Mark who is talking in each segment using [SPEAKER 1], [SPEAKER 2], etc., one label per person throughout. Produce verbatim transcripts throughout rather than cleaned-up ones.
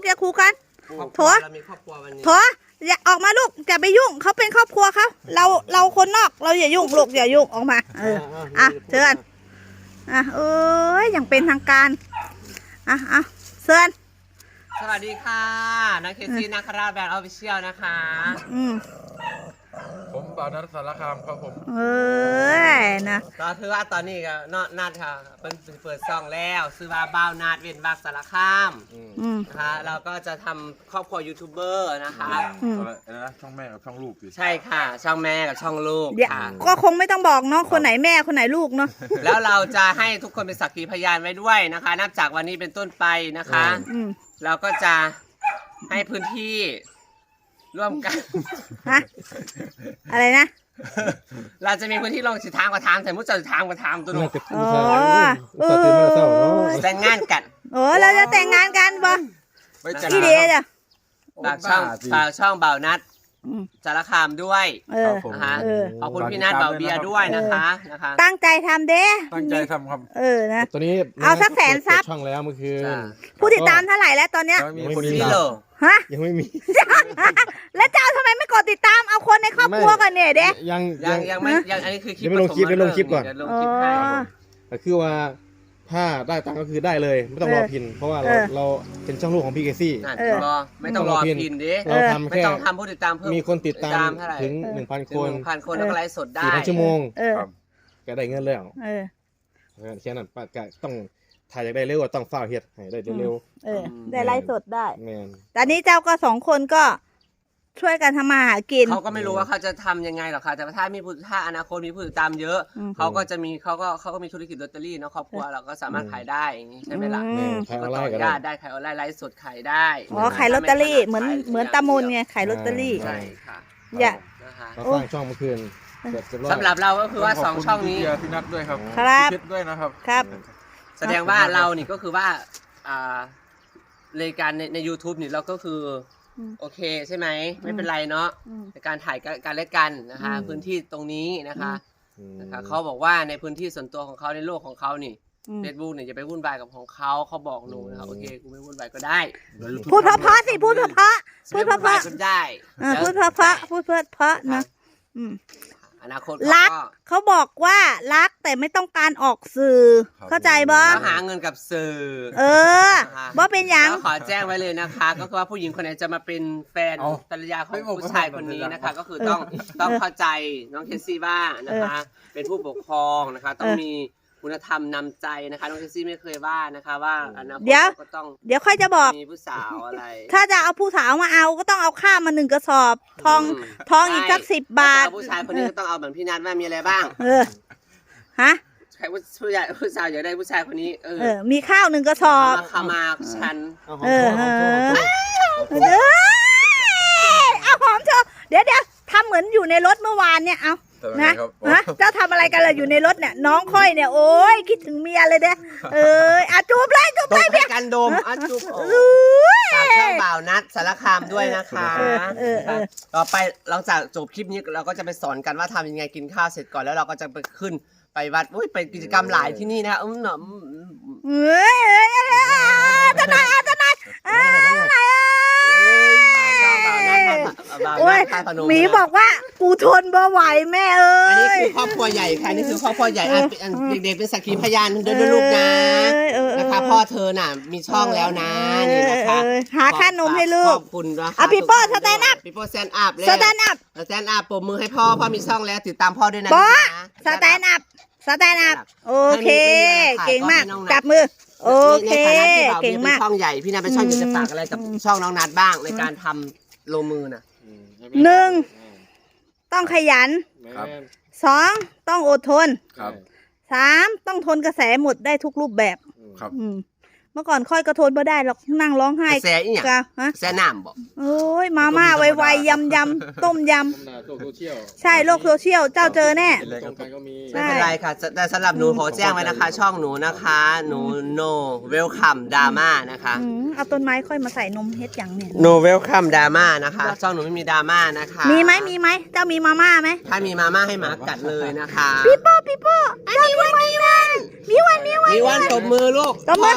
[SPEAKER 1] กอย่าขู่กันโถ
[SPEAKER 2] เรามีครอบครัววันนี้
[SPEAKER 1] โถอย่าออกมาลูกอย่าไปยุ่งเขาเป็นครอบครัวเขาเราเราคนนอกเราอย่ายุ่งลูกอย่ายุ่งออกมาเอออ่ะเชิญอ่ะเอ้ยอย่างเป็นทางการอ่ะอ่ะเชิญ
[SPEAKER 2] สวัสดีค่ะนักเคซีนักคาราแบรนด์ออฟฟิเชียลนะคะ
[SPEAKER 1] อืม
[SPEAKER 3] ผมบ่าวนัทสารคามครับผม
[SPEAKER 1] เอ้ยนะ
[SPEAKER 2] ก็ถือว่าตอนนี้ก็นอนัดค่ะเป็นเปิดซองแล้วซื้อว่าบ้าวนาดเว้นวักสารคาม
[SPEAKER 1] อืม
[SPEAKER 2] นะคะเราก็จะทำครอบครัวยูทูบเบอร์นะคะ
[SPEAKER 1] อืม
[SPEAKER 3] อะไรนะช่องแม่กับช่องลูกดิ
[SPEAKER 2] ใช่ค่ะช่องแม่กับช่องลูก
[SPEAKER 1] เดี๋ยว
[SPEAKER 2] ค่ะ
[SPEAKER 1] ก็คงไม่ต้องบอกเนาะคนไหนแม่คนไหนลูกเนาะ
[SPEAKER 2] แล้วเราจะให้ทุกคนเป็นสักขีพยานไว้ด้วยนะคะ นับจากวันนี้เป็นต้นไปนะคะ
[SPEAKER 1] อืม
[SPEAKER 2] เราก็จะให้พื้นที่ร่วมกัน
[SPEAKER 1] ฮะอะไรนะ
[SPEAKER 2] เราจะมีพื้นที่ลงสิทางกว่าทางแต่มุดจะทางกว่าทางตัวหนู
[SPEAKER 1] โอ้เออ
[SPEAKER 2] แต่งงานกัน
[SPEAKER 1] โอ้เราจะแต่งงานกันบ่
[SPEAKER 3] ไม่จัด
[SPEAKER 1] อีเดียจ้ะ
[SPEAKER 2] ฝากช่องฝากช่องเบานัด
[SPEAKER 1] อืม
[SPEAKER 2] สารคามด้วย
[SPEAKER 1] เออ
[SPEAKER 2] นะคะ
[SPEAKER 1] เออ
[SPEAKER 2] ขอบคุณพี่นัทเบาเบียร์ด้วยนะคะนะคะ
[SPEAKER 1] ตั้งใจทำเด้
[SPEAKER 3] ตั้งใจทำครับ
[SPEAKER 1] เออนะ
[SPEAKER 4] ตอนนี้
[SPEAKER 1] เอาสักแสนซับ
[SPEAKER 4] เปิดช่องแล้วเมื่อคืน
[SPEAKER 2] จ้ะ
[SPEAKER 1] ผู้ติดตามเท่าไหร่แล้วตอนเนี้ย
[SPEAKER 3] แล้วมีคน
[SPEAKER 2] ซี
[SPEAKER 3] ติด
[SPEAKER 2] โร่
[SPEAKER 3] ตาม
[SPEAKER 1] ฮะ
[SPEAKER 4] ยังไม่มี
[SPEAKER 1] แล้วเจ้าทำไมไม่กดติดตามเอาคนในครอบครัวกันเนี่ยเด้
[SPEAKER 4] ยัง
[SPEAKER 2] ยังยังไม่ยังอันนี้คือคลิป
[SPEAKER 4] ยังไม่ลงคลิป
[SPEAKER 2] ผส
[SPEAKER 4] ไม่ลงคลิปก่อน
[SPEAKER 2] เดี๋ยวลง
[SPEAKER 1] อ๋อ
[SPEAKER 2] คลิปให้
[SPEAKER 4] แต่คือว่าถ้าได้ตังค์ก็คือได้เลย ไม่ต้องรอพิน เพราะว่าเรา
[SPEAKER 1] เออ
[SPEAKER 4] เราเป็นช่องลูกของพี่เกซี่
[SPEAKER 2] นั่น
[SPEAKER 1] เออ
[SPEAKER 2] รอไม่ต้องรอพินดิ
[SPEAKER 4] เราทำ
[SPEAKER 2] ไม่
[SPEAKER 4] แค่
[SPEAKER 2] ต้องทำผู้ติดตามเพิ่ม
[SPEAKER 4] มีคนติดตาม
[SPEAKER 2] เท่าไหร่
[SPEAKER 4] ถึงหนึ่งพัน
[SPEAKER 2] ถึ
[SPEAKER 4] ค
[SPEAKER 2] ง
[SPEAKER 4] น
[SPEAKER 2] หนึ่งพันคนแล้วก็ไลฟ์สดได้
[SPEAKER 4] สี่พันชั่วโมง
[SPEAKER 1] เออ
[SPEAKER 3] ครับ
[SPEAKER 4] ก็ได้เงินแล้ว
[SPEAKER 1] เออ
[SPEAKER 4] แค่นั้นป้าก็ต้องถ่ายอยากได้เร็วก็ต้องฝ้าวเฮ็ดให้ได้เร็ว
[SPEAKER 1] เออ ได้ไลฟ์สดได้
[SPEAKER 4] ๆแมน
[SPEAKER 1] ตอนนี้เจ้าก็สองคนก็ช่วยกันทำมาหากิน
[SPEAKER 2] เขาก็ไม่รู้ว่าเขาจะทำยังไงหรอกค่ะแต่ว่าถ้ามีผู้ถ้าอนาคตมีผู้ติดตามเยอะ
[SPEAKER 1] อืม
[SPEAKER 2] เขาก็จะมีเขาก็เขาก็มีธุรกิจลอตเตอรี่เนาะครอบครัวเราก็สามารถขายได้อย่างนี้ใช่ไหมล่ะ
[SPEAKER 1] อื
[SPEAKER 4] แม
[SPEAKER 1] ม
[SPEAKER 4] นขายอ
[SPEAKER 2] ก็
[SPEAKER 4] อนไล
[SPEAKER 2] ต่อ
[SPEAKER 4] น์ก็
[SPEAKER 2] ย
[SPEAKER 4] ได้
[SPEAKER 2] อดได้ขายออนไลน์ไลฟ์สดขายได้
[SPEAKER 1] อ๋อขายลอตเตอรี่เหมือนเหมือนตามนไงขายลอตเตอรี่
[SPEAKER 2] ใช่ค่ะ
[SPEAKER 1] อย่า
[SPEAKER 2] นะคะ
[SPEAKER 4] เราสร้างช่องเมื่อคืนเสร็จเรียบร้อย
[SPEAKER 2] สำหรับเราก็คือว่าสองช่องนี้
[SPEAKER 3] ขบคุณพี่เบียร์พี่นัทด้วยครับ
[SPEAKER 1] ครับ
[SPEAKER 3] พี่เพชรด้วยนะครับ
[SPEAKER 1] ครับ
[SPEAKER 2] แสดงว่าเรานี่ก็คือว่าอ่ารายการในใน YouTube นี่เราก็คืออ
[SPEAKER 1] ม
[SPEAKER 2] โอเคใช่ไหมไม่เป็นไรเนาะ
[SPEAKER 1] อืม
[SPEAKER 2] ในการถ่ายการเล่นกันนะคะ
[SPEAKER 1] อืม
[SPEAKER 2] พื้นที่ตรงนี้นะคะ
[SPEAKER 4] อืม
[SPEAKER 2] นะคะเขาบอกว่าในพื้นที่ส่วนตัวของเขาในโลกของเขานี่
[SPEAKER 1] อืม
[SPEAKER 2] เฟซบุ๊กเนี่ยจะไปวุ่นวายกับของเขาเขาบอกหนูนะครับโอเคกูไม่วุ่นวายก็ได้
[SPEAKER 1] พูดเพราะๆสิพูดเพราะๆพูดเพ
[SPEAKER 2] ไม่วุ่นวาย
[SPEAKER 1] ราะ
[SPEAKER 2] ก็ได้
[SPEAKER 1] ๆเออพูดเพราะๆพูดเพราะๆนะอืม
[SPEAKER 2] อนาคต
[SPEAKER 1] รัก
[SPEAKER 2] ก็
[SPEAKER 1] เขาบอกว่ารักแต่ไม่ต้องการออกสื่อ
[SPEAKER 3] ครับ
[SPEAKER 1] เข้าใจบ่
[SPEAKER 2] แล้วหาเงินกับสื่อ
[SPEAKER 1] เออบ่เป็นหยัง
[SPEAKER 2] แล้วขอแจ้งไว้เลยนะคะ ก็คือว่าผู้หญิงคนไหนจะมาเป็นแฟน
[SPEAKER 3] เอา
[SPEAKER 2] ภรรยาของ
[SPEAKER 3] ไม่บอก
[SPEAKER 2] ผู้ชายคนนี้นะคะ
[SPEAKER 3] ไม่บอก
[SPEAKER 2] ก็คือต้องต้องเข้าใจน้องเคซี่บ้างนะคะ เป็นผู้ปกครองนะคะ ต้องมีคุณธรรมนำใจนะคะน้องเคซี่ไม่เคยว่านะคะว่าอนาคต
[SPEAKER 1] เดี๋ยว
[SPEAKER 2] ก็ต้อง
[SPEAKER 1] เดี๋ยวค่อยจะบอก
[SPEAKER 2] มีผู้สาวอะไร
[SPEAKER 1] ถ้าจะเอาผู้สาวมาเอาก็ต้องเอาข้าวมาหนึ่งกระสอบ ทอง
[SPEAKER 2] ม
[SPEAKER 1] ทองอีกสัก
[SPEAKER 2] ใช่
[SPEAKER 1] สิบบาท
[SPEAKER 2] ถ้จะเอผู้ชายคนนี้ก็ต้องเอาเหมือนพี่นัทว่ามีอะไรบ้าง
[SPEAKER 1] เออ ฮะ
[SPEAKER 2] ใครผู้ผู้ใหญ่ผู้สาวอยากได้ผู้ชายคนนี้เออ
[SPEAKER 1] เออ มีข้าวหนึ่งกระสอบ
[SPEAKER 2] มาเข้ามาฉัน
[SPEAKER 4] เอาหอม
[SPEAKER 1] เออ
[SPEAKER 4] หอม
[SPEAKER 1] เอ
[SPEAKER 4] โชว์
[SPEAKER 1] อ เอ้ยเอาหอมเถอะเดี๋ยวเดี๋ยวทำเหมือนอยู่ในรถเมื่อวานเนี่ย เอา
[SPEAKER 3] แต่ว่า
[SPEAKER 1] นะ
[SPEAKER 3] ไงครับ
[SPEAKER 1] ฮะ เจ้าทำอะไรกันล่ะอยู่ในรถเนี่ย น้องค่อยเนี่ย โอ้ยคิดถึงเมียเลยเด้อเอ้ยอ่ะจูบเลยจูบ
[SPEAKER 2] ต
[SPEAKER 1] เล
[SPEAKER 2] ก
[SPEAKER 1] ย
[SPEAKER 2] ให้กันดมอ่ะจุ๊บโอ้
[SPEAKER 1] อุ้ย
[SPEAKER 2] ฝากช่องบ่าวนัดสารคามด้วยนะคะ
[SPEAKER 1] เออเออเออ
[SPEAKER 2] ต่อไปหลังจากจบคลิปนี้เราก็จะไปสอนกันว่าทำยังไงกินข้าวเสร็จก่อนแล้วเราก็จะไปขึ้นไปวัดอุ้ยไปกิจกรรมหลายที่นี่นะคะอืมหนอม
[SPEAKER 1] เอ้ยเอ้ยเอ้ยเอ้ยเอ้ยเจ้านายอ่ะเจ้านายเอ้ยอะไรอ่ะ
[SPEAKER 2] ช่องบ่าวนัดบ่าว
[SPEAKER 1] โอ้
[SPEAKER 2] นั
[SPEAKER 1] ย
[SPEAKER 2] ดท่าพนม
[SPEAKER 1] หมีบอกว่ากูทนบ่ไหวแม่เอ้
[SPEAKER 2] อันนี้
[SPEAKER 1] ย
[SPEAKER 2] คือครอบครัวใหญ่ค่ะนี่คือครอบครัวใหญ่อ่ะอันเด็กๆเป็นสักขีพยานด้วยด้วยลูกนะ
[SPEAKER 1] เออเออเออ
[SPEAKER 2] นะคะพ่อเธอน่ะมีช่องแล้วนะนี่นะคะ
[SPEAKER 1] เออหาค่านมให้ลูก
[SPEAKER 2] ขอบคุณนะคะ
[SPEAKER 1] อ่ะพี่โป้สแตนด์อัพ
[SPEAKER 2] พี่โป้สแตนด์อัพเลย
[SPEAKER 1] สแตนด์อัพ
[SPEAKER 2] สแตนด์อัพปรบมือให้พ่อพ่อมีช่องแล้วติดตามพ่อด้วยนะ
[SPEAKER 1] บอส
[SPEAKER 2] นะ
[SPEAKER 1] สแตนด์อัพสแตนด์อัพโอเค
[SPEAKER 2] ให้มี
[SPEAKER 1] เก่งมาก
[SPEAKER 2] ให้น้องนัท
[SPEAKER 1] จับมือ โอเค
[SPEAKER 2] ในฐานะที่บ่าว
[SPEAKER 1] เก่ง
[SPEAKER 2] เป็น
[SPEAKER 1] มาก
[SPEAKER 2] ช่องใหญ่พี่นาเป็นช่องอยากจะฝากอะไรกับช่องน้องนัดบ้างในการทำลงมือน่ะ
[SPEAKER 4] อืม
[SPEAKER 1] หนึ่ง ต้องขยัน
[SPEAKER 3] ครับ
[SPEAKER 1] สองต้องอดทน
[SPEAKER 3] ครับ
[SPEAKER 1] สามต้องทนกระแสหมดได้ทุกรูปแบบ
[SPEAKER 3] ครับ
[SPEAKER 1] อืมเมื่อก่อนค่อยกระทนไม่ได้หรอกนั่งร้องไห้
[SPEAKER 2] กระแสอีหยัง
[SPEAKER 1] กะฮะ
[SPEAKER 2] กระแสน้ำบอก
[SPEAKER 1] โอ้ยมาม่าไวๆยำยำๆต้มย
[SPEAKER 4] ธรรมดาโซเชียล
[SPEAKER 1] ำใช่โลกโซเชียลเจ้าเจอแน่
[SPEAKER 3] เป็นไร
[SPEAKER 4] ต
[SPEAKER 3] ค
[SPEAKER 4] ร
[SPEAKER 3] รับ
[SPEAKER 4] งกันก็มี
[SPEAKER 1] ใช่
[SPEAKER 2] ไม่เป็นไรค่ะแต่สำหรับหนูขอแจ้งไว้นะคะ ช่องหนูนะคะ หนู no welcome drama นะคะ
[SPEAKER 1] อืมเอาต้นไม้ค่อยมาใส่นมเฮ็ดอย่างเนี่ย
[SPEAKER 2] no welcome drama นะคะช่องหนูไม่มีดราม่านะคะ
[SPEAKER 1] มีไหมมีไหมเจ้ามีมาม่าไหม
[SPEAKER 2] ถ้ามีมาม่าให้หมากัดเลยนะคะ
[SPEAKER 1] พี่โป้พี่โป้เจ้ามีวันมีวันมีวันมีวัน
[SPEAKER 2] มีวันตบมือลูก
[SPEAKER 1] ตบมื
[SPEAKER 2] พ่อ
[SPEAKER 1] อ
[SPEAKER 2] พ่อมี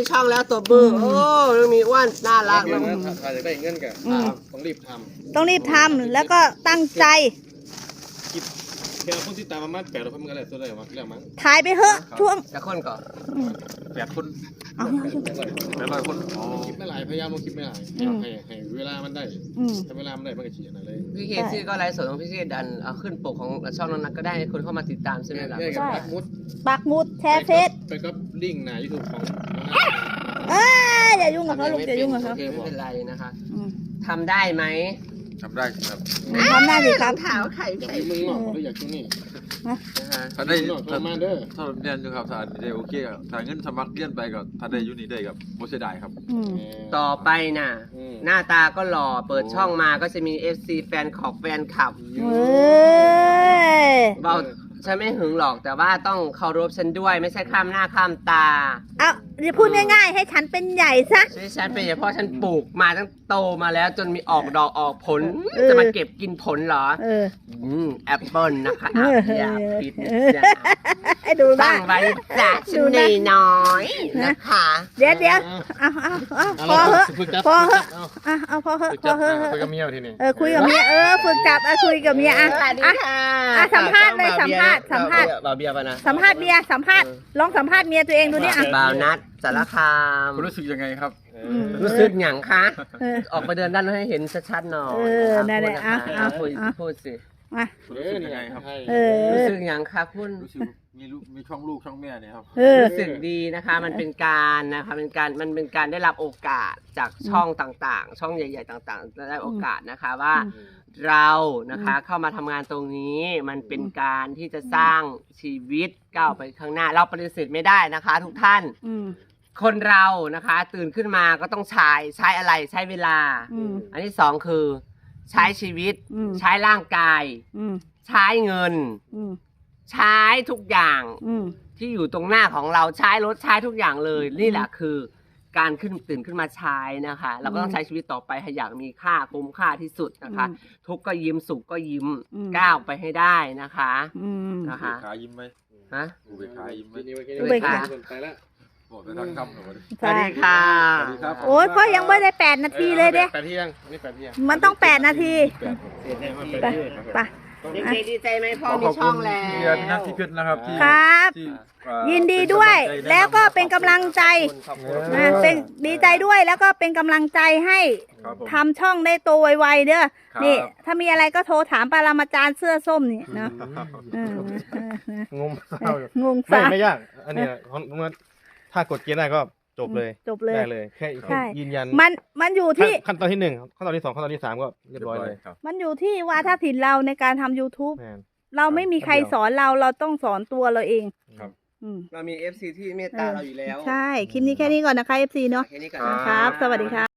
[SPEAKER 2] ช่องแล้วตัวมือโอ้เรื่องมีอ้วนน่ารัก
[SPEAKER 4] เงิ
[SPEAKER 2] นะ
[SPEAKER 4] นนะถ้าจะได้เงินกัน
[SPEAKER 1] อืม
[SPEAKER 4] ต้องรีบท
[SPEAKER 1] ต้องรีบทำแล้วก็ตั้งใจ
[SPEAKER 4] ำคิดแค่คนที่ตามประมาณแปดร้อยคนมันก็ได้ตัวได้หรอเรื่องมั้ง
[SPEAKER 1] ถ่ายไปเถอะช่วง
[SPEAKER 2] จะคนก่อน
[SPEAKER 3] แปดคน
[SPEAKER 1] เอา
[SPEAKER 4] แปดร้อยคน
[SPEAKER 3] แปดร้อยคนอ๋อ
[SPEAKER 4] คิดไม่หลายพยายามมาคิดไม่หลายให้ให้เวลามันได้
[SPEAKER 1] อืม
[SPEAKER 4] ถ้าเวลามันได้มันก็ฉีดอะไรเลย
[SPEAKER 2] พี่เคซี่ก็ไลฟ์สดของพี่เคดันเอาขึ้นปกของช่องนั้นก็ได้ให้คนเข้ามาติดตามใช่ไหมล่ะ
[SPEAKER 4] แม่กับปักมุด
[SPEAKER 1] ปักหมุดแชร์เฟซ
[SPEAKER 4] ไปก็ลิงก์หน้ายูทูบของ
[SPEAKER 1] เอ้ยอย่ายุ่งกับเขาลูกอย่ายุ่งกับเขา
[SPEAKER 2] โอเคไม่เป็นไรนะคะ
[SPEAKER 1] อืม
[SPEAKER 2] ทำได้ไหม
[SPEAKER 3] ทำได้ครับ
[SPEAKER 1] ทำได้ดีครับ
[SPEAKER 2] ถามไข่
[SPEAKER 4] อยาก
[SPEAKER 2] ไข่
[SPEAKER 4] ไปเมืองนอกก็อยากช่วงนี้
[SPEAKER 2] นะคะ
[SPEAKER 3] ถ้าได้
[SPEAKER 4] เมืองนอก
[SPEAKER 3] ถ้า
[SPEAKER 4] ทำมาเด้อ
[SPEAKER 3] ถ้าเรียนอยู่ครับถ้าได้โอเคครับถ้าเงินสมัครเรียนไปก็ถ้าได้อยู่นี่ได้กับโมเสียดายครับ
[SPEAKER 1] อืม
[SPEAKER 2] ต่อไปน่ะ หน้าตาก็หล่อเปิดช่องมาก็จะมี เอฟ ซี แฟนคลับแฟนคลับ
[SPEAKER 1] เอ้ย
[SPEAKER 2] เบาฉันไม่หึงหรอกแต่ว่าต้องเคารพฉันด้วยไม่ใช่ข้ามหน้าข้ามตา
[SPEAKER 1] เอาเดี๋ยวพูดง่ายๆ ให้ฉันเป็นใหญ่ซะ
[SPEAKER 2] ใช่ฉันเป็นอย่างเพราะฉันปลูกมาตั้งโตมาแล้วจนมีออกดอกออกผล
[SPEAKER 1] เออ
[SPEAKER 2] จะมาเก็บกินผลเหรอ
[SPEAKER 1] เออ
[SPEAKER 2] อืมแอปเปิลนะคะ
[SPEAKER 1] เออ
[SPEAKER 2] อย่าผิดนะจ๊ะ
[SPEAKER 1] ให้ดูบ้า
[SPEAKER 2] ตั้
[SPEAKER 1] ง
[SPEAKER 2] งไว้จ้ะฉันนน้อยๆนะคะ
[SPEAKER 1] เดี๋ยวเดี๋ยวเอาเอาเอาพอเหอะ
[SPEAKER 4] ฝึกจับ
[SPEAKER 1] พอเหอะ
[SPEAKER 4] เอา
[SPEAKER 1] เอาเอาพอเหอะ
[SPEAKER 4] ฝึก
[SPEAKER 1] พ
[SPEAKER 4] จั
[SPEAKER 1] อบ เหอะ
[SPEAKER 4] คุยกับเมียทีนี้
[SPEAKER 1] เออคุยกับเมียเออฝึกจับอ่ะคุยกับเมียอ่ะ
[SPEAKER 2] สวัสดี
[SPEAKER 1] อ่ะ
[SPEAKER 2] ค่ะ
[SPEAKER 1] อ่ะสัมภาษณ์เลยสัมภาษณ์สัมภาษณ์
[SPEAKER 2] บ่าวเบียร์ป่ะนะ
[SPEAKER 1] สัมภาษณ์เมียสัมภาษณ์ลองสัมภาษณ์เมียตัวเองดูเนี่ยอ่ะ
[SPEAKER 2] บ่าวนัดสารคาม
[SPEAKER 3] คุณรู้สึกยังไงครับ
[SPEAKER 1] อืม
[SPEAKER 2] รู้สึกหยังคะ
[SPEAKER 1] เออ
[SPEAKER 2] ออกไปเดินด้านนอกให้เห็นชัดๆหน่อย
[SPEAKER 1] เออนั่นแหละ
[SPEAKER 2] อ่ะ
[SPEAKER 1] อ่ะ
[SPEAKER 2] พูด
[SPEAKER 1] อ่ะ
[SPEAKER 2] พูดสิ
[SPEAKER 1] มา
[SPEAKER 3] คุณรู้สึกยังไงครับ
[SPEAKER 1] เออ
[SPEAKER 2] รู้สึกหยังคะคุณ
[SPEAKER 3] รู้สึกมีลูกมีช่องลูกช่องแม่เนี่ยครับ
[SPEAKER 1] เออ
[SPEAKER 2] รู้สึกดีนะคะ มันเป็นการนะคะเป็นการมันเป็นการได้รับโอกาสจากช่องต่างๆ ช่องใหญ่ ๆ ต่างๆได้โอกาสนะคะว่า เรานะคะเข้ามาทำงานตรงนี้มันเป็นการที่จะสร้างชีวิตก้าวไปข้างหน้า เราปฏิเสธไม่ได้นะคะ ทุกท่าน
[SPEAKER 1] อืม
[SPEAKER 2] คนเรานะคะ ตื่นขึ้นมาก็ต้องใช้ใช้อะไรใช้เวลา
[SPEAKER 1] อืม
[SPEAKER 2] อันที่สองคือ ใช้ชีวิต
[SPEAKER 1] อืม
[SPEAKER 2] ใช้ร่างกาย
[SPEAKER 1] อืม
[SPEAKER 2] ใช้เงิน
[SPEAKER 1] อืม
[SPEAKER 2] ใช้ทุกอย่าง
[SPEAKER 1] อืม
[SPEAKER 2] ที่อยู่ตรงหน้าของเราใช้รถใช้ทุกอย่างเลยนี่แหละคือ การขึ้นตื่นขึ้นมาใช้นะคะ เราก็ต้องใช้ชีวิตต่อไปให้อย่างมีค่าคุ้มค่าที่สุดนะคะ
[SPEAKER 1] อืม
[SPEAKER 2] ทุกข์ก็ยิ้มสุขก็ยิ้ม
[SPEAKER 1] อืม
[SPEAKER 2] ก้าวไปให้ได้นะคะ
[SPEAKER 1] อืม
[SPEAKER 2] นะคะ
[SPEAKER 3] ขายิ้มไหม
[SPEAKER 2] ฮะ
[SPEAKER 3] อุเบกขายิ้มไหม
[SPEAKER 1] อุเบกขา
[SPEAKER 4] ไปแล้ว
[SPEAKER 3] บอกแต่ทางคำหน่อย
[SPEAKER 2] สวัสดีค่ะ
[SPEAKER 3] สวัสดีครับ
[SPEAKER 1] โอ้ยพ่อยังไม่ได้แปดนาทีเลยเด้
[SPEAKER 4] แปดเที่ยงนี่แปดเที่ยง
[SPEAKER 1] มันต้องแปดนาที
[SPEAKER 4] แปดแปดเที่ยง
[SPEAKER 1] ไปไป
[SPEAKER 2] เด็กๆดีใจไหมพ่อ
[SPEAKER 3] ข
[SPEAKER 2] มี
[SPEAKER 3] อบ
[SPEAKER 2] ช่
[SPEAKER 3] คุ
[SPEAKER 2] อ
[SPEAKER 3] ณ
[SPEAKER 2] งแล้
[SPEAKER 3] พี่
[SPEAKER 2] ว
[SPEAKER 3] นักที่เพชรนะครับที่
[SPEAKER 1] ครับ
[SPEAKER 3] ที่เอ่อ
[SPEAKER 1] ยินดีด้วย
[SPEAKER 3] เป็นกำลังใจ
[SPEAKER 1] แล้วก็เป็นกำลังใจ
[SPEAKER 2] ขอบคุณ
[SPEAKER 1] นะเป็นดีใจด้วยแล้วก็เป็นกำลังใจให้
[SPEAKER 3] ครับผม
[SPEAKER 1] ทำช่องได้โตไวๆเด้อ
[SPEAKER 3] ครับ
[SPEAKER 1] นี่ ถ้ามีอะไรก็โทรถามปรามาจารย์เสื้อส้มนี่เนาะเออเออเออง
[SPEAKER 4] มเศร้าอยู่
[SPEAKER 1] งง
[SPEAKER 4] ไม่
[SPEAKER 1] สา
[SPEAKER 4] ไม่ยาก อันนี้ของมันถ้ากดเกียร์ได้ก็จบเลย
[SPEAKER 1] จบเลย
[SPEAKER 4] ได้เลย แค่
[SPEAKER 1] ใช่
[SPEAKER 4] ยืนยัน
[SPEAKER 1] มันมันอยู่ที่
[SPEAKER 4] ขั้นตอนที่หนึ่งขั้นตอนที่สองขั้นตอนที่สามก็เรียบร้อยเลย
[SPEAKER 3] ครับ
[SPEAKER 1] มันอยู่ที่วาทศิลป์เราในการทำ YouTube
[SPEAKER 4] แม่น
[SPEAKER 1] เราไม่มีใครสอนเราเราต้องสอนตัวเราเอง
[SPEAKER 3] ครับ
[SPEAKER 1] อืม
[SPEAKER 2] เรามี เอฟ ซี ที่เมตตาเราอยู่แล้ว
[SPEAKER 1] ใช่ คลิปนี้แค่นี้ก่อนนะคะ เอฟ ซี เนาะ
[SPEAKER 2] แค่นี้ก่อน
[SPEAKER 1] ครับ สวัสดีค่ะ